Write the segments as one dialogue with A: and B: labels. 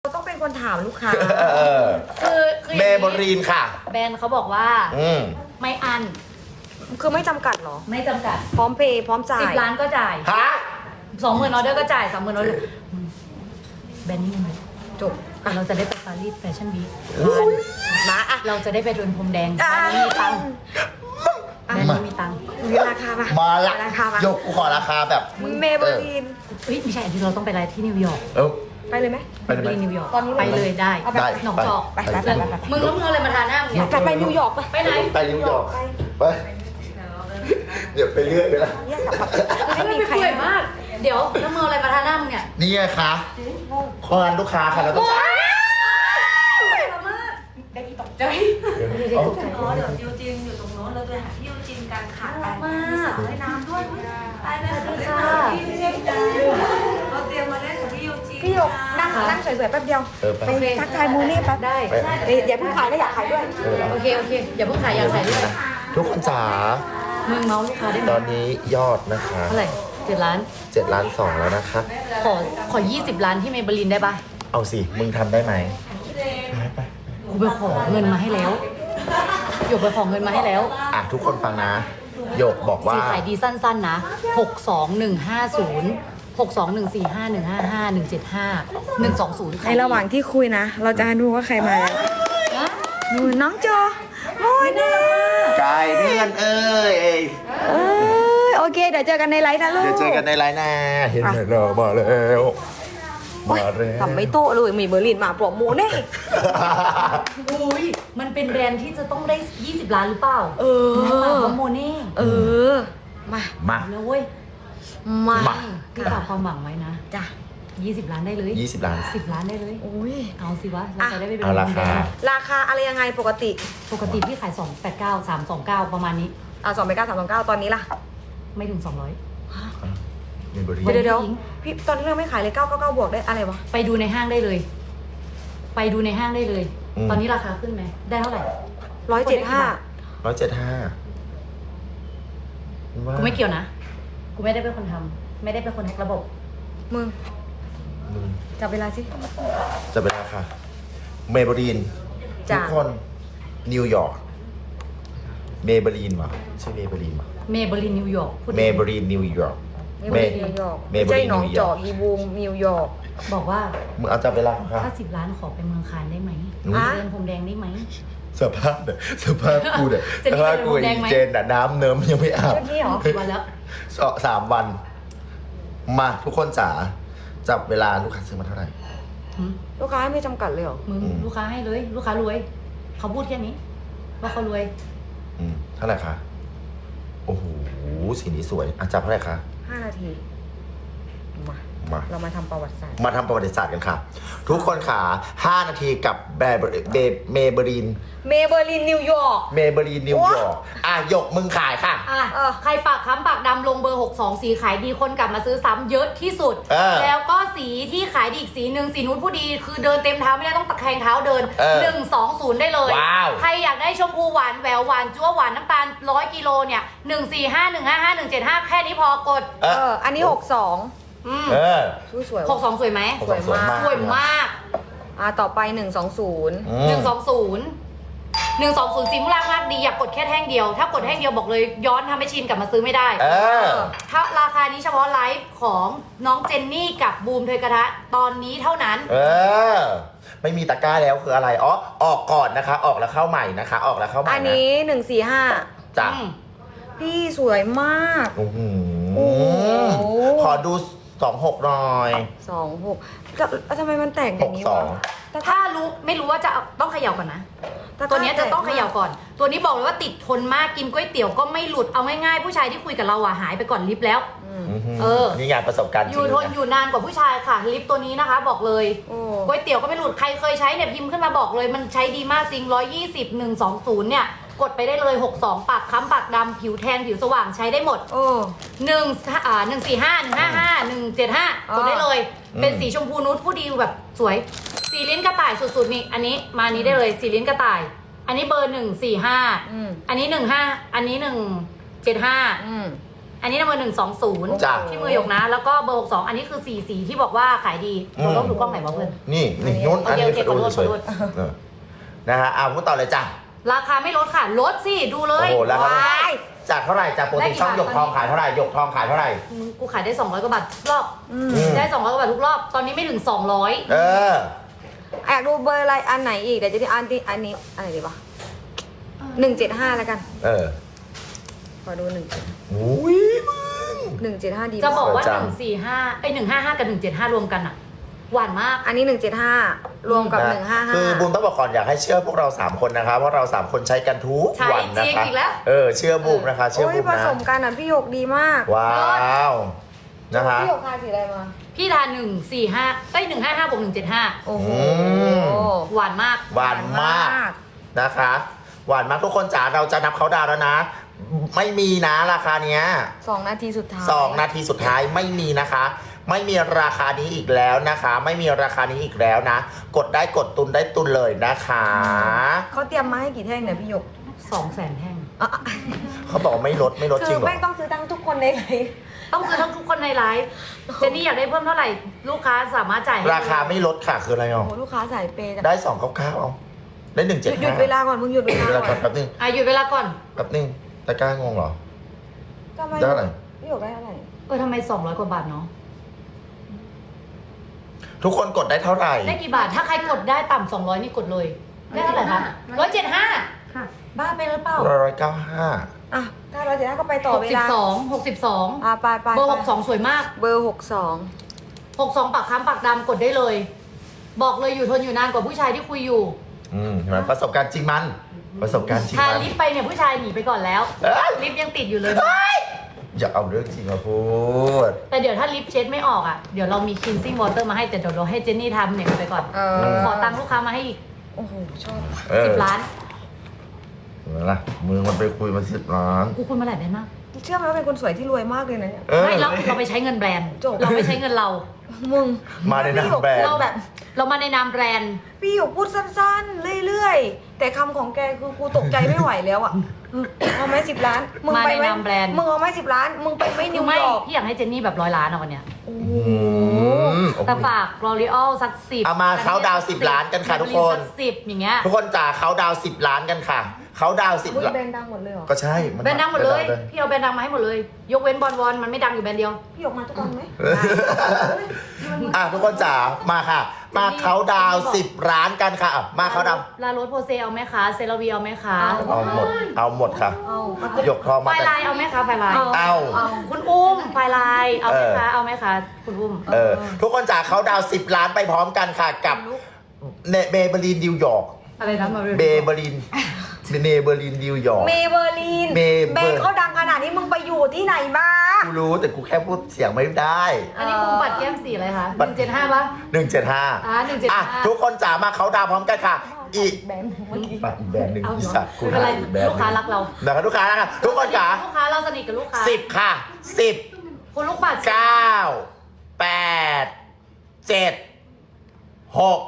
A: ต้องเป็นคนถามลูกค้า
B: คือเมเบอรีนค่ะ
C: แบรนด์เขาบอกว่าไม่อัน
A: คือไม่จำกัดเหรอ
C: ไม่จำกัด
A: พร้อมเพย์พร้อมจ่าย
C: 10 ล้านก็จ่าย
B: ฮะ
C: 20,000 ออเดอร์ก็จ่าย 30,000 ออเดอร์แบรนด์นี้ไหม
A: จบ
C: เราจะได้ไปปารีสแฟชั่นวีค
A: นะอ่ะ
C: เราจะได้ไปเดินพรมแดงแบรนด์นี้มีตังค์แบรนด์นี้มีตังค์
A: มีราคาปะ
B: มาละ
A: ราคาปะ
B: ยกกูขอราคาแบบ
A: เมเบอรีน
C: เฮ้ยไม่ใช่ที่เราต้องไปอะไรที่นิวยอร์ก
B: เอ้า
A: ไปเลยไหม
B: ไปเลยไหม
C: นิวยอร์ก
A: ตอนนี้เลย
C: ไปเลยได้
A: เอาไป
B: ได้
C: หนองจอก
A: ไปไปไปไปไป
C: มึงแล้วมึงเอาอะไรมาทาหน้ามึงเนี่ย
A: ไปนิวยอร์กไป
C: ไปไหน
B: ไปนิวยอร์กไปเดี๋ยวไปเรื่อยไปละ
A: เนี่ยกลับมาไม่
C: ไม่
A: มี
C: มี
A: ใคร
C: ใครมาก เดี๋ยวแล้วมึงเอาอะไรมาทาหน้ามึงเนี่ย
B: นี่ไงคะคอนลูกค้าค่ะเราต้อง
C: เดี๋ยว
D: อ๋อเดี๋ยวยูจินอยู่ตรงโน้นเราจะหาที่ยูจินกันค่ะไปมีสระว่ายน้ำด้วยไปเลยค่ะที่ยูจินกันเราเตรียมมาเล่นกับพี่ยูจิน
A: พี่หยกนั่งสวยๆแป๊บเดียว
B: ไป
A: ไปทักทายมูนี่แป๊บ
C: ได้
A: เอ้ยอย่าเพิ่งขายนะอยากขายด้วย
C: โอเคอย่าเพิ่งขายอยากขายด้วย
B: ทุกคนจ๋า
C: มึงเมาส์ลูกค้าได้ไหม
B: ตอนนี้ยอดนะคะ
C: เท่าไหร่7 ล้าน
B: 7 ล้าน2แล้วนะคะ
C: ขอ20 ล้านที่เมเบลินได้ปะ
B: เอาสิ มึงทำได้ไหมไป
C: กูไปขอเงินมาให้แล้วหยกไปขอเงินมาให้แล้ว
B: อ่ะทุกคนฟังนะหยกบอกว่า
C: สีขายดีสั้นๆนะ62150 62145155175 120
A: ในระหว่างที่คุยนะ เราจะดูว่าใครมาแล้วดูน้องโจโอ้ยนี่
B: ไก่เพื่อนเอ้ย
A: เอ้ยโอเค เดี๋ยวเจอกันในไลฟ์นะลูก
B: เดี๋ยวเจอกันในไลน์หน้าเห็นไหมเรามาแล้วมาแล้ว
A: ทำไม่โตะเลยมีเบอร์ลินมาโปรโมทแน่
C: อุ้ยมันเป็นแบรนด์ที่จะต้องได้20 ล้านหรือเปล่า
A: เออ
C: มาโมเน่
A: เออ มา
B: มา
C: แล้วเว้ย
A: มา
B: มา
C: พี่ฝากความหวังไว้นะ
A: จ้ะ
C: 20 ล้านได้เลย
B: 20 ล้าน
C: 10 ล้านได้เลย
A: โอ้ย
C: เอาสิวะเราจะได้ไปเป็น
B: เอาราคา
A: ราคาอะไรยังไงปกติ
C: ปกติพี่ขาย289 329ประมาณนี้
A: 2,939ตอนนี้ล่ะ
C: ไม่ถึง 200
B: เมเบอรี
A: เดี๋ยว
C: จริง
A: พี่ตอนนี้เราไม่ขายเลย999บวกได้อะไรวะ
C: ไปดูในห้างได้เลย ไปดูในห้างได้เลย ตอนนี้ราคาขึ้นไหมได้เท่าไหร่
A: 175
B: 175
C: กูไม่เกี่ยวนะ กูไม่ได้เป็นคนทำไม่ได้เป็นคนแฮกระบบ
A: มึง
B: มึง
A: จับเวลาสิ
B: จะเป็นราคาเมเบอรีน
A: จ้ะ
B: ทุกคนนิวยอร์กเมเบอรีนวะใช่เมเบอรีนวะ
C: เมเบลินนิวยอร์กพูด
B: เมเบอรีนนิวยอร์ก
A: เมเบอร์ลินนิวยอร์ก
B: เม
A: ไม่
B: เบอ
A: ใช่
B: รีน
A: หนอง
B: นิวย
A: จ
B: อ
A: อ
B: ร์
A: ก
B: ก
A: อีบูมนิวยอร์ก
C: บอกว่า
B: มึงเอาจับเวลาของเขา
C: ถ้า10 ล้านขอไปเมืองคานได้ไหม
A: อ่ะ
C: เดินพรมแดงได้ไหม
B: สภาพเนี่ยสภาพกูเนี่ย
C: เจนนี่
B: สภาพ
C: ไป
B: กู
C: โรงแรมไหม
B: เจนน่ะน้ำเนิ้มยังไม่อาบ
A: ชุดนี้เหรอ
C: กี่วันแล้ว
B: 3 วัน มาทุกคนจ๋าจับเวลาลูกค้าซื้อมาเท่าไหร่
A: ลูกค้าไม่จำกัดเลยเหรอ
C: มึง
B: อืม
C: ลูกค้าให้เลย ลูกค้ารวย เขาพูดแค่นี้ ว่าเขารวย
B: เท่าไหร่คะโอ้โหสีนี้สวยอ่ะจับเท่าไหร่คะ
A: 5 นาที มา
B: มา
A: เรามาทำประวัติศาสตร์
B: มาทำประวัติศาสตร์กันค่ะ ทุกคนค่ะ5 นาทีกับเมเบอรีน
A: เมเบอร์ลินนิวยอร์ก
B: เมเบอรีนนิวยอร์กอ่ะหยกมึงขายค่ะ
C: อ่ะ ใครปากค้ำปากดำลงเบอร์ 62 สีขายดีคนกลับมาซื้อซ้ำเยอะที่สุด แล้วก็สีที่ขายดีอีกสีหนึ่งสีนุ้นผู้ดีคือเดินเต็มเท้าไม่ได้ต้องตะแคงเท้าเดิน 120 ได้เลย
B: ว้าว
C: ใครอยากได้ชมพูหวานแหววหวานจั๊วหวานน้ำตาล100 กิโลเนี่ย 145 155 175 แค่นี้พอกด
A: อันนี้ 62
C: อืม
B: เออ
A: สวย
C: 62 สวยไหม
B: สวยมาก
C: สวยมาก
A: ต่อไป 120
C: 120สีมุรามากดีอยากกดแค่แท่งเดียว ถ้ากดแท่งเดียวบอกเลยย้อนทำให้ชินกลับมาซื้อไม่ได้
B: เออ
C: ถ้าราคานี้เฉพาะไลฟ์ของน้องเจนนี่กับบูมเทยกระทะตอนนี้เท่านั้น
B: เออ ไม่มีตะกร้าแล้วคืออะไรอ๋อออกก่อนนะคะ ออกแล้วเข้าใหม่นะคะ ออกแล้วเข้าใหม่
A: อัน
B: นะ
A: นี้
B: จ้ะ
C: อืม
A: 145 พี่สวยมาก
B: โอ้โห
A: โอ้โห
B: ขอดู26หน่อย
A: 26ทำไมมันแต่งอย่างนี้วะ
B: 62
A: แต่
C: ถ้ารู้ไม่รู้ว่าจะต้องเขย่าก่อนนะ ตัวเนี้ยจะต้องเขย่าก่อน ตัวนี้บอกเลยว่าติดทนมากกินก๋วยเตี๋ยวก็ไม่หลุดเอาง่ายๆผู้ชายที่คุยกับเราอะหายไปก่อนลิฟต์แล้ว เออ
B: นี่งานประสบการณ์จ
C: อ
B: ริง
C: ยู่ทน
B: นะ
C: อยู่นานกว่าผู้ชายค่ะลิฟต์ตัวนี้นะคะ บอกเลย
A: โอ้
C: ก๋วยเตี๋ยวก็ไม่หลุดใครเคยใช้เนี่ยพิมพ์ขึ้นมาบอกเลยมันใช้ดีมากจริง120 120เนี่ยกดไปได้เลย62ปากค้ำปากดำผิวแทนผิวสว่างใช้ได้หมด
A: โอ้
C: 145 155 175กดได้เลย เป็นสีชมพูนุชผู้ดีแบบสวย สีลิ้นกระต่ายสุดๆนี่อันนี้มานี้ได้เลยสีลิ้นกระต่าย อันนี้เบอร์145อันนี้15อันนี้175 อันนี้นะเบอร์
B: จ้ะ
C: 120ที่มือหยกนะ แล้วก็เบอร์62อันนี้คือ4สีที่บอกว่าขายดีเราต้องดูกล้องไหนวะเพื่อน
B: นี่นู้น
C: โอ
B: อัน
C: เค
B: นี้
C: โอเค
B: ดู
C: ขอโทษ
B: เฉย
C: ขอโทษ
B: ๆนะฮะพูดต่อเลยจ้ะ
C: ราคาไม่ลดค่ะลดสิดูเล
B: โอ้
C: ย
B: โหแล้วครับ
C: ว้าย
B: จากเท่าไหร่จากปกติช่องหยกทองขายเท่าไหร่หยกทองขายเท่าไหร่
C: กูขายได้200กว่าบาททุกรอบได้200กว่าบาททุกรอบตอนนี้ไม่ถึง200
B: เออ
A: อยากดูเบอร์อะไรอันไหนอีกเดี๋ยวจะที่อันนี้อันไหนดีวะ175แล้วกัน
B: เออ
A: ขอดู1
B: อุ้ยมึง
A: 175ดี
C: จะบอกว่า
B: สวยจัง
C: 145ไอ้155กับ175รวมกันอะหวานมาก
A: อันนี้175รวมกับ
B: คือบุญ
A: 155
B: ต้องบอกก่อนอยากให้เชื่อพวกเรา3คนนะคะเพราะเรา3คนใช้กันทุก
C: ใช้
B: วันนะ
C: จริง
B: คะ
C: อีกแล้ว
B: เชื่อบุญนะคะเชื่อ
A: โอ้ย
B: บุญ
A: ผ
B: นะ
A: สมกันอ่ะพี่หยกดีมาก
B: ว้าวนะคะ
A: พี่หยกทาสีอะไรมา
C: พี่ทาน145ได้155บวก175
A: โอ้โห
C: หวานมาก
B: หวานมากนะคะหวานมากทุกคนจ๋าเราจะนับเขาดาวน์แล้วนะ ไม่มีนะราคาเนี้ย
A: 2 นาทีสุดท้าย
B: 2 นาทีสุดท้ายไม่มีนะคะ ไม่มีราคานี้อีกแล้วนะคะ ไม่มีราคานี้อีกแล้วนะ กดได้กดตุนได้ตุนเลยนะคะ
A: เขาเตรียมมาให้กี่แท่งเนี่ยพี่หยก
C: 200,000แท่ง
A: อ่ะ
B: เขาบอกว่าไม่ลดไม่ลด
A: คื
B: จริ
A: อง
B: เหรอ
A: แม่งต้องซื้อทั้งทุกคนในไลฟ์
C: ต้องซื้อทั้งทุกคนในไลฟ์เจนนี่อยากได้เพิ่มเท่าไหร่ลูกค้าสามารถจ่ายให้
B: ราคาไม่ลดค่ะคืออะไร
A: โอ้
B: อ่ะ
A: โหลูกค้าสายเปย์จัง
B: ได้299เอาได้175
A: หยุดเวลาก่อนมึงหยุดเว
B: หยุดเว
A: ลา
B: ลา
A: ก่
B: ก่
A: อ
B: อน นแป๊บนึง
C: หยุดเวลาก่อน
B: แป๊บนึงตะกร้างงเหรอ
A: ทำไม
B: ได้เท่าไหร่
A: พี่หยกได้เท่าไหร่
C: ทำไม200กว่าบาทเนาะ
B: ทุกคนกดได้เท่าไหร่
C: ได้กี่บาทถ้าใครกดได้ต่ำ200นี่กดเลยได้เท่าไหร่คะ175ค่ะบ้าไปหรือเปล่า
B: 195
A: อ่ะถ้าเราจะได้ก็ไปต่อเวลา
C: 62
A: อ่ะไป
C: เบอร์62สวยมาก
A: เบอร์
C: 62ปากค้ำปากดำกดได้เลย บอกเลยอยู่ทนอยู่นานกว่าผู้ชายที่คุยอยู่
B: เห็นไหมประสบการณ์จริงมัน ประสบการณ์จริง
C: ทา
B: มัน
C: ลิปไปเนี่ยผู้ชายหนีไปก่อนแล้ว
B: เอ้ย
C: ลิปยังติดอยู่เลย
B: อย่าเอาเรื่องจริงมาพูด
C: แต่เดี๋ยวถ้าลิปเช็ดไม่ออกอ่ะเดี๋ยวเรามี cleansing water มาให้แต่เดี๋ยวเราให้เจนนี่ทำเนี่ยไปก่อน
A: เออ
C: ขอตังค์ลูกค้ามาให้อีก
A: โอ้โหชอบ
C: 10 ล้าน
B: เห็นไหมล่ะมึงมันไปคุยมา10 ล้าน
C: กูคุณมาหลายได้มาก
A: เชื่อไหมว่าเป็นคนสวยที่รวยมากเลยนะเนี่ย
C: ไม่เราไปใช้เงินแบรนด์
A: จบ
C: เราไม่ใช้เงินเรา
A: มึง
B: มาในนามแบรนด์
C: เราแบบเรามาในนามแบรนด์
A: พี่หยกพูดสั้นๆ เรื่อยๆ แต่คำของแกคือกูตกใจไม่ไหวแล้วอ่ะเอาไหม10 ล้าน มึงไปไหม
C: มาในนามแบรนด์
A: มึงเอาไหม10 ล้าน มึงไปไหมนิ
C: คือ
A: ว
C: ไม่
A: ยอร์ก
C: พี่อยากให้เจนนี่แบบ100 ล้านอะวันเนี้ย
A: โอ้
B: อื
A: โห
B: ม
C: แต่ฝาก L'Oreal สัก10
B: เอามาเขาดาวน์10 ล้านกันค่ะทุกคน
C: สัก10อย่างเงี้ย
B: ทุกคนจ๋าเขาดาวน์10 ล้านกันค่ะ เขาดาวน์
A: มึง
B: 10 ล้าน
A: แบรนด์ดังหมดเลยเหรอ
B: ก็ใช่
C: แบรนด์ดังหมดเลย พี่เอาแบรนด์ดังมาให้หมดเลย ยกเว้นบอลวอนมันไม่ดังอยู่แบรนด์เดียว
A: พี่หยกมาทุกวันไหม
B: ทุกคนจ๋ามาค่ะ มาเขาดาวน์10 ล้านกันค่ะอ่ะมาเขาดาวน์
C: ลาโรสโพเซเอาไหมคะ เซราวีเอาไหมคะ
B: เอาหมด เอาหมดค่ะ
A: เอา
B: หยกทอง
C: ไฟ
B: มาแต่
C: ลายเอาไหมคะไฟลาย
B: เอา
C: คุณอุ้มไฟลายเอาไหมคะเอาไหมคะคุณอุ้ม
B: ทุกคนจ๋าเขาดาวน์10 ล้านไปพร้อมกันค่ะกับเบเบอรีนนิวยอร์ก
C: อะไรนะมา
B: เบเบอรีนเนเบอรีนนิวยอร์ก
A: เมเบอร์ลีน
B: เมเบอร์
A: แบรนด์เขาดังขนาดนี้มึงไปอยู่ที่ไหนมา
B: กูรู้แต่กูแค่พูดเสียงไม่ได้
C: อันนี้มุมปัดแก้มสีอะไรคะ
B: บัตร
C: 175ป่ะ
B: 175
C: 175
B: ทุกคนจ๋ามาเขาดาวน์พร้อมกันค่ะ อีก
A: แบรนด์เมื่อกี้
B: อีกแบรนด์หนึ่ง
C: เอา
B: อี
C: เหรอ
B: สัตว์กู
C: ไม่เป็นไร
B: อีกแบรนด์
C: ลูกค้ารักเรา
B: นะครับลูกค้านะคะทุกคนจ๋า
C: ลูกค้าเราสนิทกับลูกค้า
B: 10 ค่ะ 10
C: คุณลูกปัด
B: 9 8 7 6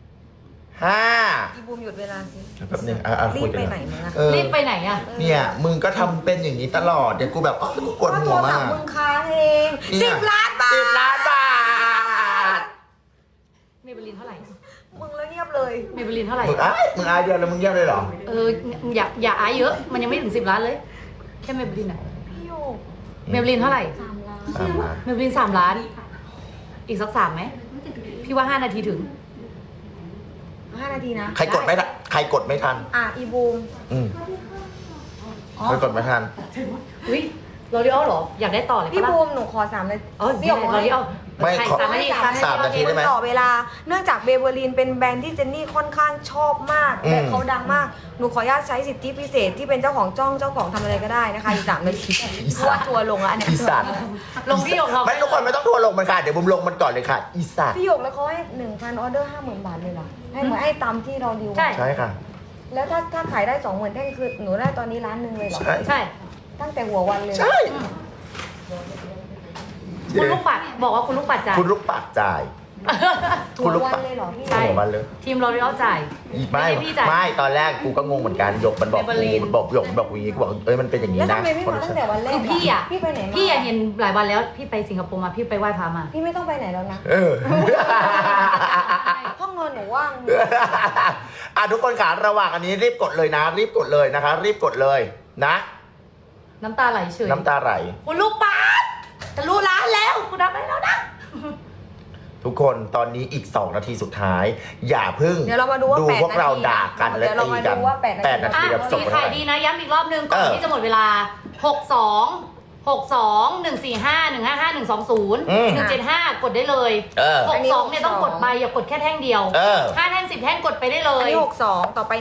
B: 5
A: อีบูมหยุดเวลาสิ
B: แป๊บนึง
A: รี
B: คุย
A: บ
B: กั
A: ไป
B: น
A: ไหนมึงอะ
C: รีบไปไหนอะ
B: เนี่ย มึงก็ทำเป็นอย่างนี้ตลอด เดี๋ยวกูแบบกูปวดหัว
A: โทรศั
B: มา
A: พท์
B: ก
A: มึงค้างเอง
B: เนี่ย
A: 10 ล้านบาท
B: 10 ล้านบาท
C: เมเบลินเท่าไหร่
A: มึงแล้วเงียบเลย
C: เมเบลินเท่าไหร่
B: มึงอายเดียวแล้วมึงเงียบเลยเหรอ
C: อย่าอายเยอะ มันยังไม่ถึง10 ล้านเลย แค่เมเบลินอะ
A: พี่โยก
C: เมเบลินเท่าไหร่
A: 3 ล้าน
B: 3 ล้าน
C: เมเบลิน3 ล้าน อีกสัก3ไหม พี่ว่า 5 นาทีถึง
A: 5 นาทีนะ
B: ใครกดไม่ทันใครกดไม่ทัน
A: อีบูม
B: อืม
C: อ๋อ
B: ใครกดไม่ทัน
C: อุ้ยลอรีออลเหรอ อยากได้ต่อเลย
A: พี่
C: ปะ
A: บู
C: ล่ะ
A: มหนูขอ3เลย
C: อ๋อ
A: พี่หยก
C: ลอรีออล
B: ไม่ขอ
C: 3 นาที
B: 3 นาทีได้ไหม
A: ต่อเวลา เนื่องจากเบเบอร์ลินเป็นแบรนด์ที่เจนนี่ค่อนข้างชอบมาก
B: อืม
A: และเขาดังมาก หนูขออนุญาตใช้สิทธิพิเศษที่เป็นเจ้าของจ้องเจ้าของทำอะไรก็ได้นะคะ อีก3 นาทีเพราะว่าทัวร์ลงแล้วอันเนี้ย
B: อีสัตว์
C: ลงพี่หยกเรา
B: ไม่ทุกคนไม่ต้องทัวร์ลงมันค่ะ เดี๋ยวบุมลงมันก่อนเลยค่ะ อีสัตว์
A: พี่หยกแล้วเขาให้ 1,000 ออเดอร์ 50,000 บาทเลยเหรอ ให้เหมือนให้ตามที่เราดีล
C: ใช่
B: ใช่ค่ะ
A: แล้วถ้าขายได้ 20,000แท่งคือหนูได้ตอนนี้1 ล้านเลยเหรอ
B: ใช่
C: ใช่
A: ตั้งแต่หัววันเลยเหรอ
B: ใช่
C: คุณลูกปัดบอกว่าคุณลูกปัดจ่าย
B: คุณลูกปัดจ่าย
A: หัววันเลยเหรอพี่
C: ใช่
B: หัววันเลย
C: ทีมเราเรียกจ่าย
B: ไม่
C: ไม่ใช่พี่จ่าย
B: ไม่ตอนแรกกูก็งงเหมือนกันหยกมันบอก
C: Maybelline
B: กูมันบอกหยกมันบอกอย่างงี้กูบอกเอ้ยมันเป็นอย่างนี้
A: แล้ว
B: นะ
A: ทำไมไม่มาตั้งแต่วันแรก
C: คือพี่อ่ะ
A: พี่ไปไหนมา
C: พี่เห็นหลายวันแล้วพี่ไปสิงคโปร์มาพี่ไปไหว้พระมา
A: พี่ไม่ต้องไปไหนแล้วนะ
B: เออ
A: ห้องนอนหนูว่าง
B: อ่ะทุกคนขาระหว่างอันนี้รีบกดเลยนะ รีบกดเลยนะคะ รีบกดเลยนะ
C: น้ำตาไหลเฉย
B: น้ำตาไหล
C: คุณลูกปัดจะรู้ร้านแล้วคุณทำได้แล้วนะ
B: ทุกคนตอนนี้อีก 2 นาทีสุดท้าย อย่าพึ่ง
A: เดี๋ยวเรามาดูว่า
B: ดู
A: 8
B: พวกเรา
A: นาที
B: ด่ากันและ
A: เดี๋ยวเรา
B: ตี
A: มา
B: กัน
A: ดูว่า8 นาที
B: 8 นาทีแบบส่
C: สี
B: งไป
C: ขา
B: เท่าย ไหร่
C: ดีนะย้ำอีกรอบนึงก่อน
B: เออ
C: ที่จะหมดเวลา 62 145 155 120 175 กดได้เลย
B: เออ
C: 62เนี่ยต้องกดไปอย่ากดแค่แท่งเดียว
B: เออ
C: 5 แท่ง 10 แท่งกดไปได้เล
A: อัน
C: ย
A: นี้62ต่อไป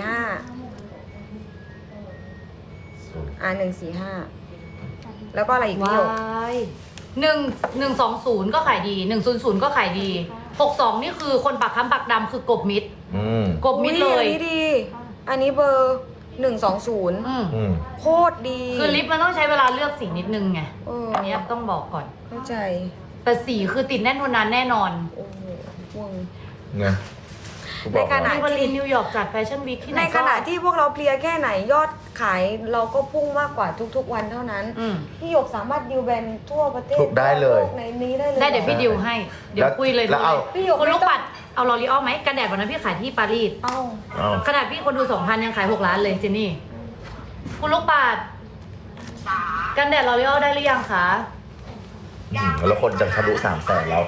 A: 145145แล้วก็อะไรอีกพี่หยก
C: ว้าย120 ก็ขายดี 100 ก็ขายดี 62 นี่คือคนปากค้ำปากดำคือกบมิด
B: อืม
C: กบมิดเลย
A: อันนี้ดี อันนี้เบอร์120
C: อืม
B: อืม
A: โคตรดี
C: คือลิปมันต้องใช้เวลาเลือกสีนิดนึงไง
A: เออ
C: อันเนี้ยต้องบอกก่อน
A: เข้าใจ
C: แต่สีคือติดแน่นทนนานแน่นอน
A: โอ้โหมึง
B: ไงกูบอก
A: ในขณะ
B: แล้ว
C: ที่บรินนิวยอร์กจัดแฟชั่นวีคที่ไหน
A: ในขณะที่พวกเราเพลียแค่ไหนยอดขายเราก็พุ่งมากกว่าทุกๆวันเท่านั้น
C: อืม
A: พี่หยกสามารถดิวแบรนด์ทั่วประเทศ
B: ถูกได้เลย
A: ทั่วโกในนี้ได้เลย
C: ได้เดี๋ยวพี่ดิวให้ เดี๋ยวคุยเลย
B: แล้วเอา
A: พี่หยก
C: คนลูก
A: ไม่ต้อง
C: ปัดเอาลอรีออลไหมกันแดดวันนั้นพี่ขายที่ปารีส
A: เอ้า
B: เอา
C: ขนาดพี่คนดู 2,000 ยังขาย 6 ล้านเลยเจนนี่ คุณลูกปัดกันแดดลอรีออลได้หรือยังคะ
B: แล้วคนจะทะลุ300,000แล้ว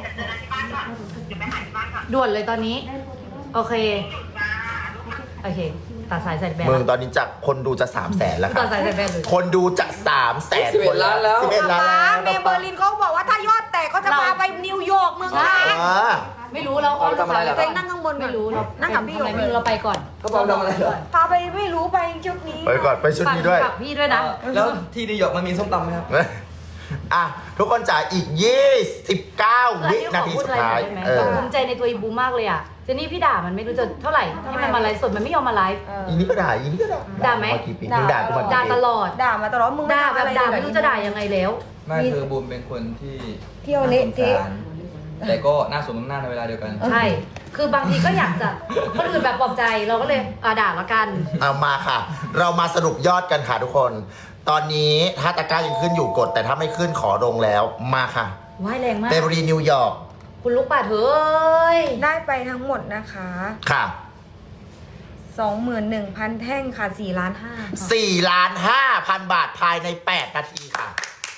C: ด่วนเลยตอนนี้ โอเค โอเค ตัดสายใส่แบน
B: มึงตอนนี้จากคนดูจะ300,000แล้วค
C: ตั
B: รั
C: ด
B: บ
C: สายใส่แบนเลย
B: คนดูจะ300,000
E: 11 ล้านแล้ว
B: 11 ล้าน
A: ป๊า
B: แล้ว
A: เมย์เบอร์ลินเขาบอกว่าถ้ายอดแตกเขาจะพาไปนิวยอร์กเมืองไทย
B: เออ
C: ไม่รู้เรา
E: เอาไปทำอะไรเหรอ
A: เองนั่งข้างบนก่อน
C: ไม่รู้เรา
A: นั่งกับพี่หยก
C: ไม่รู้เราไปก่อน
E: เขาบอกทำอะไรเหรอ
A: พาไปไม่รู้ไปชุดนี้
B: ไปก่อนไปชุดนี้ด้วย
C: ฝากพี่ด้วยนะ
E: แล้วที่นิวยอร์กมันมีส้มตำไหมครับ
B: อ่ะ ทุกคนจ่ายอีก 29 วินาทีสุดท้าย เออ
C: ภูมิใจในตัวอีบูมากเลยอ่ะเจนนี่พี่ด่ามันไม่รู้จะเท่าไหร่ให้มันมาไลฟ์สดมันไม่ยอมมาไลฟ์
A: เออ
B: อีนี้ก็ด่า อีนี้ก็ด่า
C: ด่าไหม
B: กี่ปีมึงด่ากูมากี่
C: ด่า
B: ปี
C: ตลอด
A: ด่ามาตลอดมึง
C: ด่าแบบ
A: ทำอะ
C: ด่า
A: เลย
C: ไม่รู้จะด่ายังไงแล้ว
E: ไม่คือบูมเป็นคนที่
A: เที่ยวเละเทะ
E: น่าสงสารแต่ก็น่าสมน้ำหน้าในเวลาเดียวกัน
C: ใช่ คือบางทีก็อยากจะคนอื่นแบบปลอบใจเราก็เลยด่าละกัน
B: เอามาค่ะ เรามาสรุปยอดกันค่ะทุกคน ตอนนี้ถ้าตะกร้ายังขึ้นอยู่กด แต่ถ้าไม่ขึ้นขอลงแล้ว มาค่ะ
C: ว่ายแรงมาก
B: เบเวอรี่นิวยอร์ก
C: คุณลูกป่าเฮ้ย
A: ได้ไปทั้งหมดนะคะ
B: ค่ะ
A: 21,000 แท่งค่ะ4ล้าน5
B: 4,500,000 บาทภายใน 8 นาทีค่ะ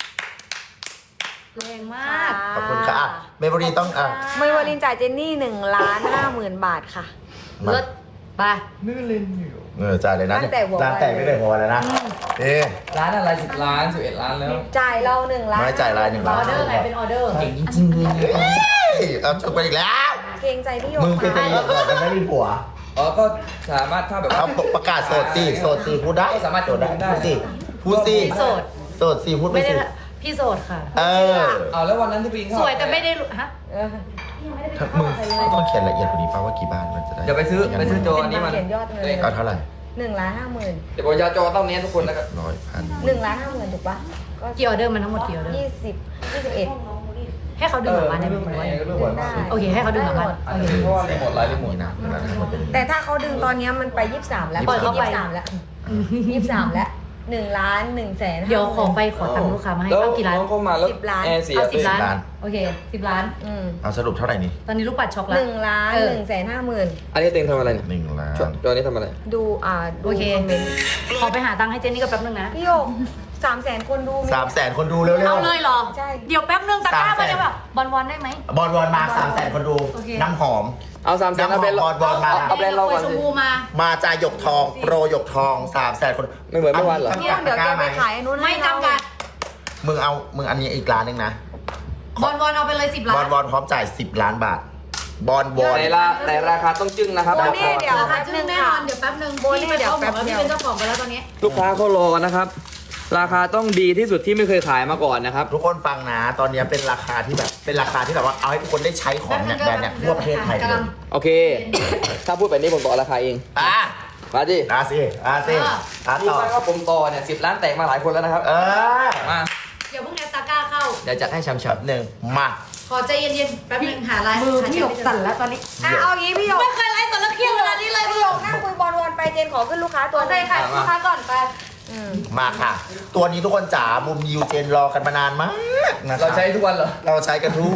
C: แรงมาก
B: ขอบคุณค่ะเบเวอรี่ต้อง
A: เมย์วาลินจ่ายเจนนี่1,50,000 บาทค่ะ
B: มา
C: เลิศไป
B: จ่ายเลยนะ
A: ตั้งแต่หัววัน
B: ร้านแต่ไม่ได้หัววันเลยนะเอ๊ะ
E: ร้านอะไร10 ล้าน 11 ล้านแล้ว
A: จ่ายเรา1ล้าน
B: ไม่จ่ายราย1
C: อ
B: ล้า
C: อน เดอร์ไงเป็นออเดอร์
E: เก่งจริงๆเลย
B: เอาจบไปอีกแล้ว
A: เกรงใจพี่หยก
B: มึงเป็น
A: ค่ะ
B: ตำรวจเหรอมันไม่มีผัว
E: อ๋อก็สามารถถ้าแบบว่า
B: เอาประกาศโสดสิโสดสิพูดได้
E: ก็สามารถ
B: โสดได้
E: ได้
B: พูดสิพูดสิ
C: พี่โสด
B: โสดสิพูดไป
C: ไม่ได้
B: สิ
C: พี่โสดค่ะ
B: เออ
E: เอาแล้ววันนั้นที่ไปกินข้าว
C: สวยแต่ไม่ได้รู้ฮะ
A: เออ
B: มึงต้องเขียนละเอียดกว่านี้ป่าว่ากี่บาทมันจะได้
E: เดี๋ยวไปซื้อโจอันนี้มัน
A: เขียนยอดเลย
B: เอาเท่าไหร่
A: 1,50,000
E: เดี๋ยวผมจะโจต้องเนี้ยทุกคนนะครับ
B: 100,000
A: 1,50,000ถูกปะก็
C: กี่ออเดอร์มันทั้งหมดกี่ออเดอร์
A: 21
C: ให้เขาดึงกลับบ้านได้ไหมคุณว่า
A: ได้
C: โอเคให้เขาดึงกลับบ้านโอเค
E: เพราะว่าหมดไลฟ์ไม่หมด
B: นี่นะมันทั้งหมดเป็น
A: แต่ถ้าเขาดึงตอนนี้มันไป23แล้ว
C: ปล่อยเขาไป
A: 23แล้ว23แล้ว1,150,000
C: เดี๋ยวขอไปขอตังค์ลูกค้ามาให้
E: แล้ว
C: เอากี่ล้าน
E: น้องเข้ามาแล้ว
A: 10 ล้าน
E: แอร์เสีย
C: เอา
E: ไป
C: 10 ล้าน
B: ล้าน
C: โอเค10 ล้าน
A: อืม
B: เอาสรุปเท่าไหร่นี่
C: ตอนนี้ลูกปัดช็อกแล้ว
A: 1,150,000
E: อันนี้เต็งทำอะไรเนี่ย
B: 1 ล้าน
E: โจอันนี้ทำอะไร
A: ดูดู
C: โอเค
A: คอมเมนต์
C: ขอไปหาตังค์ให้เจนนี่กับแป๊บนึงนะ
A: พี่โยก300,000 คนดูมี
B: 300,000 คนดูเร็ว
C: เอาเลยเหรอ
A: ใช่
C: เดี๋ยวแป๊บนึงตะกร้า
B: 300,000
C: มาเดี๋ยวแบบบอลได้ไหม
B: บอลมา300,000 คนดู
C: โอเค
B: น้ำหอม
E: เอา3 0 0 0 0เอาแบรนด์
B: บอลมา
E: เอาแบรนด์เราก่อน
C: ชม
E: สิ
C: พูมา
B: มาจ่ายหยกทอง โปรหยกทอง300,000 คน
E: ไม่เหมือนเมื่อวานเหรอ
A: เนี่ยเดี๋ยวแกไปขายอันนู้น
C: ไม่
A: ให้เรา
C: จำกัด
B: มึงอันนี้อีกล้านหนึงนะ
C: บอลเอาไปเลย10 ล้า
B: บอน ลพร้อมจ่าย10 ล้านบาท บอล
E: แต่ราคาต้องจึ้งนะครับ
A: โบเน่เดี๋ยว
C: ราคา
A: แป๊บ
C: จึ้
A: นึ
C: ง
A: ง
C: แน่น
A: ค่ะ
C: อนเดี๋ยวแป๊บนึง
A: โบเน่
C: พี่
A: เดี๋ยว
C: ขาบอก
A: แป๊บเดี
C: พี่
A: ยว
C: เป็นเจ้าของไปแล้วตอนนี้
E: ลูกค้าเขารอกันนะครับ ราคาต้องดีที่สุดที่ไม่เคยขายมาก่อนนะครับ
B: ทุกคนฟังนะ ตอนนี้เป็นราคาที่แบบว่าเอาให้ทุกคนได้ใช้ของเนี่ยแบรนด์เนี่ยทั่วประเทศไทยเลย
E: โอเค ถ้าพูดแบบนี้ผมต่อราคาเอง
B: อ่ะ
E: มาดิ
B: อ่ะสิอ่ะ
E: รู้
B: ต่อ
E: ไหมว่าผมต่อเนี่ย10 ล้านแตกมาหลายคนแล้วนะครับ
B: เออ
E: มา
C: อย่าเพิ่งแอสตาก้าเข้า
E: เดี๋ยวจัดให้ช้ำ
B: หนึ่งมา
C: ขอใจเย็นๆแป๊บนึงหาไลน์
A: มือพี่หยกสั่นแล้วตอนนี้เอางี้พี่หยก
C: ไม่เคยไลฟ์แต่ละเครียดเวลานี้เลย
A: พี่หยกนั่งคุยบอลวนไปเจนขอขึ้นลูกค้าตั
C: ตัว ว
A: ห
C: ใจ
A: นึ่ง
C: ค่ะลูกค้าก่อนไป
B: มาค่ะ ตัวนี้ทุกคนจ๋ามุมยูเจนรอกันมานานมากนะคะ
E: เราใช้ทุกวันเหรอ
B: เราใช้กันทุก